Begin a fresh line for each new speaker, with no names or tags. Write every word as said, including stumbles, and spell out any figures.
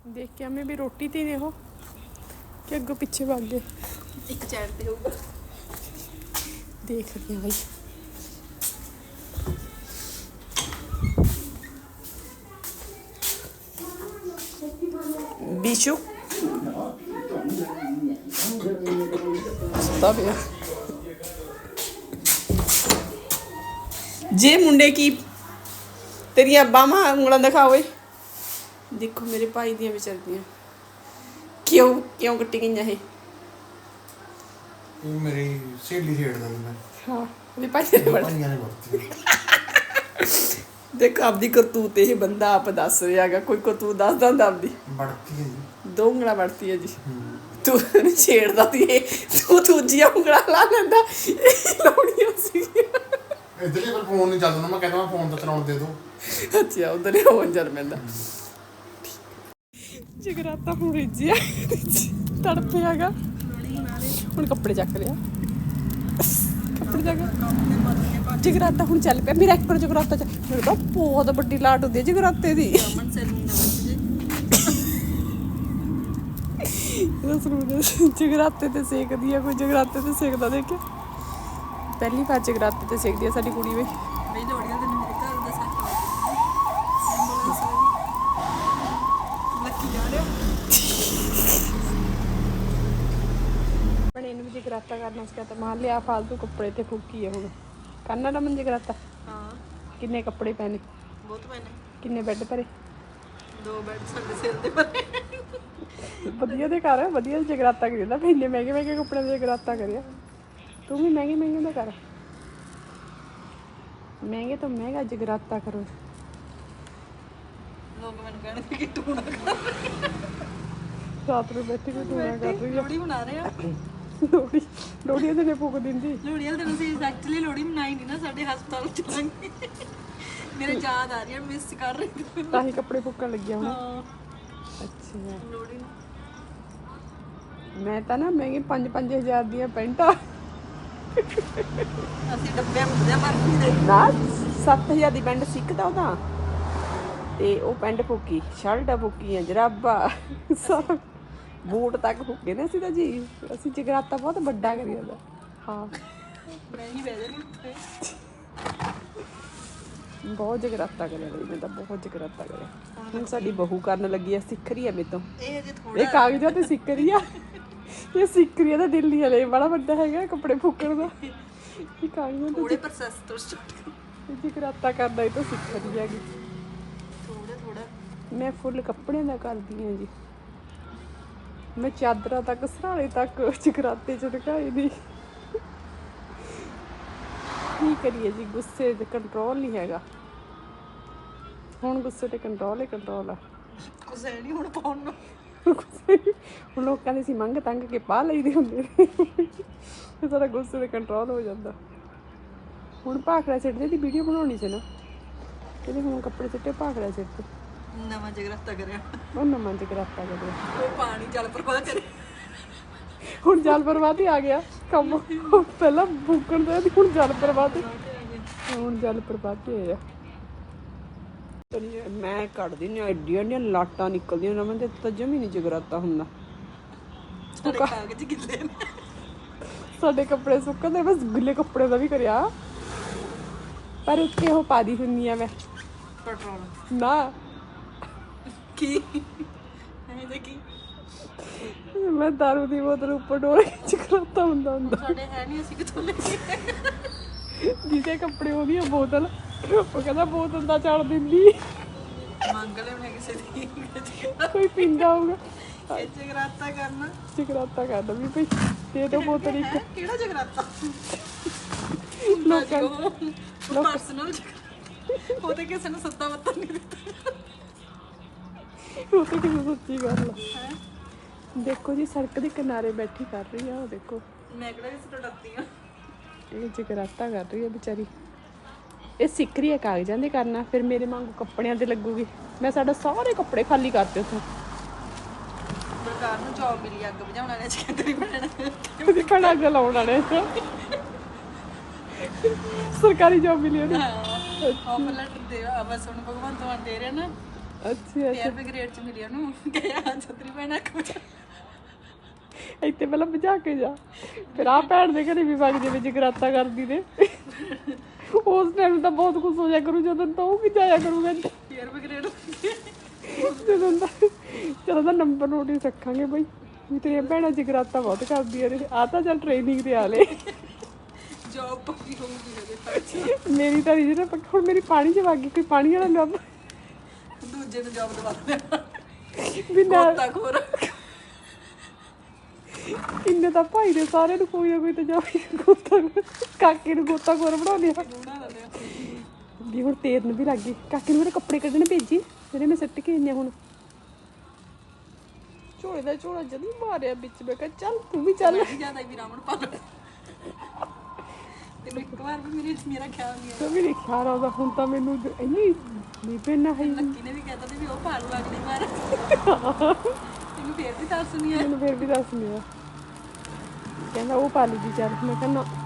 देख के हमें भी रोटी थी ने हो कि अगो पीछे भाग गए
एक चैट पे होगा
देख रही हैं भाई बिशु तब यार जे मुंडे की तेरिया बामा उंगला दिखाओ देखो मेरे भाई दियां भी चलदियां क्यों क्यों कट्टी गई है
मेरी सहेली छेड़दा मैं
हाँ मेरे भाई ने बड़ा
भाइयां ने बढ़ती
देखो आपदी करतूत ये बंदा आप दस रहा है कोई करतूत दस दा आपदी
बढ़ती है जी
दो उंगला बढ़ती है जी तू छेड़दा ती तू दूजिया उंगला ला लेंदा लौड़ियां सी
इधर पर फोन नहीं चलदा मैं कहता मैं फोन तो चलाउण दे दो
अच्छा उधर हो जर मैंदा जगराता हूँ रिजिया तड़पे आगा हूँ कपड़े चक लिया कपड़े चक जगराता हूँ चल पे मेरा एक बार जगराता मेरे तो बहुत बड़ी लाट होती है जगराते दी जगराते ते सेक दिया कोई जगराते ते सेकदा देखे पहली बार जगराते ते सेक दिया साडी कुड़ी वे जगराता करना सिखाता मान लिया फालतू कपड़े ते फूकी है हुण करना रमन जगराता
हाँ
किन्ने कपड़े पहने
बहुत पहने
किन्ने बेड भरे
दो बेड साडे सिर दे भरे
वधिया दे घर वधिया जगराता करीदा फिर इन्ने महंगे महंगे कपड़े दे जगराता करिया तू भी महंगे महंगे दा कर महंगे तो महंगा जगराता करो
लोग मैंने कहने कि टूना
रात में बैठी कोई टूना कर रही है
लोड़ी बना रहे हैं
लोड़ी लोड़ी ते ने फूक दिंदी
लोड़ी वाले दिन ਅਸੀਂ ਐਕਚੁਅਲੀ ਲੋੜੀ ਮਨਾਈ ਨਹੀਂ ਨਾ ਸਾਡੇ ਹਸਪਤਾਲ ਚ ਜਾਂਗੇ ਮੇਰੇ ਯਾਦ ਆ ਰਹੀ ਹੈ ਮਿਸ ਕਰ ਰਹੀ ਹਾਂ
ਤਾਂ ਹੀ ਕੱਪੜੇ ਫੂਕਣ ਲੱਗਿਆ ਹੁਣ
ਹਾਂ
ਅੱਛਾ
ਲੋੜੀ
ਮੈਂ ਤਾਂ ਨਾ ਮਹਿੰਗੀ ਪੰਜ ਪੰਜ ਹਜ਼ਾਰ ਦੀਆਂ ਪੈਂਟਾਂ
ਅਸੀਂ ਡੱਬੇ ਮੁੱਦੇ ਮਾਰਦੀ ਦੇ
ਨਾ ਸੱਤ ਹਜ਼ਾਰ ਦੀ ਪੈਂਟ ਸਿੱਕਦਾ ਉਹਦਾ ਤੇ ਉਹ ਪੈਂਟ ਫੂਕੀ ਸ਼ਰਟਾਂ ਫੂਕੀਆਂ ਜਰਾਬਾਂ ਸਾਰਾ ਬੂਟ ਤੱਕ ਫੂਕੇ ਨੇ ਅਸੀਂ ਤਾਂ ਜੀ ਅਸੀਂ ਜਗਰਾਤਾ ਬਹੁਤ ਵੱਡਾ ਕਰੀ ਜਾਂਦਾ ਹਾਂ
ਮੈਂ ਹੀ ਬਹਿ ਜਾਣੀ ਉੱਥੇ
ਬਹੁਤ ਜਗਰਾਤਾ ਕਰਿਆ ਬਈ ਮੈਂ ਤਾਂ ਬਹੁਤ ਜਗਰਾਤਾ ਕਰਿਆ ਹੁਣ ਸਾਡੀ ਬਹੂ ਕਰਨ ਲੱਗੀ ਆ ਸਿੱਖ ਰਹੀ ਆ ਮੇਰੇ ਤੋਂ
ਇਹ ਅਜੇ ਥੋੜਾ
ਇਹ ਕਾਗਜ਼ਾਂ ਤੇ ਸਿੱਖ ਰਹੀ ਆ ਇਹ ਸਿੱਖ ਰਹੀ ਆ ਤਾਂ ਦਿੱਲੀ ਵਾਲੇ ਬੜਾ ਵੱਡਾ ਹੈਗਾ ਕੱਪੜੇ ਫੂਕਣ ਦਾ ਇਹ ਕਾਗਜ਼ਾਂ ਤੇ
ਥੋੜੇ ਪ੍ਰੋਸੈਸ ਤੋਂ ਸਟਾਰਟ ਕਰ
ਜਗਰਾਤਾ ਕਰਦਾ ਇਹ ਤਾਂ ਸਿੱਖ ਰਹੀ ਹੈਗੀ
ਥੋੜਾ ਥੋੜਾ
ਮੈਂ ਫੁੱਲ ਕੱਪੜਿਆਂ ਦਾ ਕਰਦੀ ਹਾਂ ਜੀ ਮੈਂ ਚਾਦਰਾਂ ਤੱਕ ਸਰਾਣੇ ਤੱਕ ਜਗਰਾਤੇ ਚ ਢਕਾਈ ਦੀ ਕੀ ਕਰੀਏ ਜੀ ਗੁੱਸੇ ਤੇ ਕੰਟਰੋਲ ਨਹੀਂ ਹੈਗਾ ਹੁਣ ਗੁੱਸੇ ਤੇ ਕੰਟਰੋਲ ਹੀ ਕੰਟਰੋਲ ਆ
ਕੁਝ ਨਹੀਂ ਹੁਣ ਪਾਉਣ ਨੂੰ
ਹੁਣ ਲੋਕਾਂ ਦੇ ਸੀ ਮੰਗ ਤੰਗ ਕੇ ਪਾ ਲਈਦੇ ਹੁੰਦੇ ਨੇ ਤੇ ਸਾਡਾ ਗੁੱਸੇ ਤੇ ਕੰਟਰੋਲ ਹੋ ਜਾਂਦਾ ਹੁਣ ਭਾਖੜਾ ਸਿੱਟਦੇ ਦੀ ਵੀਡੀਓ ਬਣਾਉਣੀ ਸੀ ਨਾ ਕਹਿੰਦੇ ਹੁਣ ਕੱਪੜੇ ਸਿੱਟੇ ਭਾਖੜਾ ਸਿੱਟ
ਨਵਾਂ ਜਗਰਾਤਾ ਕਰਿਆ
ਉਹ ਨਵਾਂ ਜਗਰਾਤਾ ਕਰਿਆ
ਉਹ ਪਾਣੀ ਜਲ ਪ੍ਰਵਾਹ ਕਰੇ
ਹੁਣ ਜਲ ਪ੍ਰਵਾਹ ਹੀ ਆ ਗਿਆ ਕੰਮ ਪਹਿਲਾਂ ਭੁੱਕਣ ਦਾ ਹੁਣ ਜਲ ਪ੍ਰਵਾਹ ਹੁਣ ਜਲ ਪ੍ਰਵਾਹ ਤੇ ਆਇਆ ਮੈਂ ਕੱਢਦੀ ਨਹੀਂ ਐਡੀਆਂ ਐਡੀਆਂ ਲਾਟਾਂ ਨਿਕਲਦੀਆਂ ਨਾ ਮੈਂ ਤਾਂ ਜਮੀ ਨਹੀਂ ਜਗਰਾਤਾ ਹੁੰਦਾ
ਸਾਡੇ ਕਾਗਜ਼ ਗਿੱਲੇ ਨੇ
ਸਾਡੇ ਕੱਪੜੇ ਸੁੱਕਣ ਦੇ ਬਸ ਗਿੱਲੇ ਕੱਪੜੇ ਦਾ ਵੀ ਕਰਿਆ ਪਰ ਉੱਤੇ ਉਹ ਪਾਦੀ ਹੁੰਦੀ ਆ ਮੈਂ
ਪੈਟਰੋਲ
ਨਾ
ਕੀ ਐਂ ਦੇ ਕੀ
ਮੈਂ ਦਾਰੂ ਦੀ ਬੋਤਲ ਉੱਪਰ ਡੋਲ ਕੇ ਜਗਰਾਤਾ ਹੁੰਦਾ ਹੁੰਦਾ
ਸਾਡੇ ਹੈ ਨਹੀਂ ਅਸੀਂ ਕਿੱਥੋਂ ਲੈ ਕੇ
ਜਿਹਦੇ ਕੱਪੜੇ ਉਹਦੀ ਬੋਤਲ ਉਹ ਕਹਿੰਦਾ ਬੋਤਲ ਦਾ ਚੜ ਦਿੰਦੀ
ਮੰਗ ਲੈ ਮੈਂ ਕਿਸੇ ਦੀ
ਕੋਈ ਪੀਂਦਾ ਹੋਊਗਾ
ਇਹ ਜਗਰਾਤਾ ਕਰਨਾ
ਜਗਰਾਤਾ ਕਰਦਾ ਵੀ ਭਈ ਦੇ ਦੋ ਬੋਤਲ ਇੱਕ
ਕਿਹੜਾ ਜਗਰਾਤਾ
ਲੋਕਾਂ
ਲੋਕ ਪਰਸਨਲ ਉਹ ਤੇ ਕਿਸੇ ਨੂੰ ਸੱਤਾ ਮੱਤਾ ਨਹੀਂ ਦਿੱਤਾ
ਉਹ ਤਾਂ ਕਿਸੇ ਸੱਚੀ ਗੱਲ ਆ ਦੇਖੋ ਜੀ ਸੜਕ ਦੇ ਕਿਨਾਰੇ ਬੈਠੀ ਕਰ ਰਹੀ ਆ ਉਹ ਦੇਖੋ
ਮੈਂ ਕਿਹੜਾ ਕਿਸੇ ਤੋਂ ਡਰਦੀ ਆ
ਇਹ ਜਗਰਾਤਾ ਕਰ ਰਹੀ ਆ ਵਿਚਾਰੀ ਇਹ ਸਿੱਖ ਰਹੀ ਆ ਕਾਗਜ਼ਾਂ ਦੇ ਕਰਨਾ ਫਿਰ ਮੇਰੇ ਵਾਂਗੂ ਕੱਪੜਿਆਂ ਤੇ ਲੱਗੂਗੀ ਮੈਂ ਸਾਡਾ ਸਾਰੇ ਕੱਪੜੇ ਖਾਲੀ ਕਰਤੇ ਉੱਥੋਂ
ਸਰਕਾਰ ਨੂੰ ਜੌਬ ਮਿਲੀ ਅੱਗ ਬੁਝਾਉਣ ਵਾਲੇ ਸਕੱਤਰੀ ਬਣਨਾ
ਉਹਦੀ ਭੈਣ ਅੱਗ ਲਾਉਣ ਵਾਲੇ ਸਰਕਾਰੀ ਜੌਬ ਮਿਲੀ ਉਹਨੂੰ
ਆਫਰ ਲੈਟਰ ਦੇ ਆ ਬਸ ਹੁਣ ਭਗਵੰਤ ਮਾਨ ਦੇ ਰਿਹਾ ਨਾ
ਅੱਛਾ
ਫੇਰ ਵੀ ਗ੍ਰੇਡ ਚ ਮਿਲਿਆ ਨੂੰ ਕਿਹਾ ਛਤਰੀ ਪੈਣਾ
ਇੱਥੇ ਪਹਿਲਾਂ ਭਜਾ ਕੇ ਜਾ ਫਿਰ ਆ ਭੈਣ ਦੇ ਘਰੇ ਵੀ ਵਗ ਜਾਵੇ ਜਗਰਾਤਾ ਕਰਦੀ ਨੇ ਉਸ ਟਾਈਮ ਤਾਂ ਬਹੁਤ ਖੁਸ਼ ਹੋ ਜਾ ਕਰੂ ਜਦੋਂ ਤਾਂ ਉਹ ਵੀ ਜਾਇਆ ਕਰੂਗਾ
ਫੇਰ ਵੀ ਗ੍ਰੇਡ
ਜਦੋਂ ਦਾ ਚਲੋ ਦਾ ਨੰਬਰ ਨੋਟ ਹੀ ਰੱਖਾਂਗੇ ਬਈ ਵੀ ਤੇਰੀਆਂ ਭੈਣਾਂ ਜਗਰਾਤਾ ਬਹੁਤ ਕਰਦੀਆਂ ਨੇ ਆ ਤਾਂ ਚੱਲ ਟ੍ਰੇਨਿੰਗ ਤੇ ਆ ਲੈ
ਜੌਬ ਪੱਕੀ ਹੋਊਗੀ ਹਜੇ
ਮੇਰੀ ਤਾਂ ਨਹੀਂ ਨਾ ਪੱਕੀ ਹੁਣ ਮੇਰੀ ਪਾਣੀ ਚ ਵਗ ਗਈ ਕੋਈ ਪਾਣੀ ਵਾਲਾ ਲੱਭ
ਦੂਜੇ ਨੂੰ ਜੌਬ ਦਵਾ ਦਿਆ
ਵੀ ਨਾ
ਗੋਤਾ ਖੋਰ
ਇੰਨੇ ਤਾਂ ਭਾਈ ਦੇ ਸਾਰਿਆਂ ਨੂੰ ਕੋਈ ਨਾ ਕੋਈ ਤਾਂ ਜਾ ਗੋਤਾ ਕਾਕੇ ਨੂੰ ਗੋਤਾ ਖੋਰ ਬਣਾ ਲਿਆ
ਬਣਾ ਲੈਂਦੇ
ਵੀ ਹੁਣ ਤੇਰਨ ਵੀ ਲੱਗ ਗਈ ਕਾਕੇ ਨੂੰ ਮੇਰੇ ਕੱਪੜੇ ਕੱਢਣੇ ਭੇਜੀ ਜਿਹੜੇ ਮੈਂ ਸਿੱਟ ਕੇ ਆਈਆਂ ਹੁਣ ਝੋਲੇ ਦਾ ਝੋਲਾ ਜਦੀ ਮਾਰਿਆ ਵਿੱਚ ਮੈਂ ਕਿਹਾ ਚੱਲ ਤੂੰ ਵੀ ਚੱਲ
ਮੈਂ ਜਿਆਦਾ ਵੀ ਰਾਮਣ ਪਾ ਲੈ ਤੈਨੂੰ ਇੱਕ ਵਾਰ ਵੀ ਮੇਰੇ ਮੇਰਾ ਖਿਆਲ ਨਹੀਂ
ਤਾਂ ਵੀ ਨਹੀਂ ਖਿਆਲ ਆਉਂਦਾ ਹੁਣ ਤਾਂ ਮੈਨੂੰ ਇੰਨੀ ਨਹੀਂ ਪੈਣਾ ਹੈ
ਆਇਆ ਲੱਕੀ ਨੇ ਵੀ ਕਹਿਤਾ ਸੀ ਵੀ ਉਹ ਪਾ ਲੂ ਅਗਲੀ ਵਾਰ ਤੈਨੂੰ ਫੇਰ ਵੀ ਦੱਸ ਨਹੀਂ ਆਇਆ
ਮੈਨੂੰ ਫਿਰ ਵੀ ਦੱਸ ਲਿਆ ਕਹਿੰਦਾ ਉਹ ਪਾ ਲਈ ਜੀ ਚੱਲ ਮੈਂ ਕਹਿੰਦਾ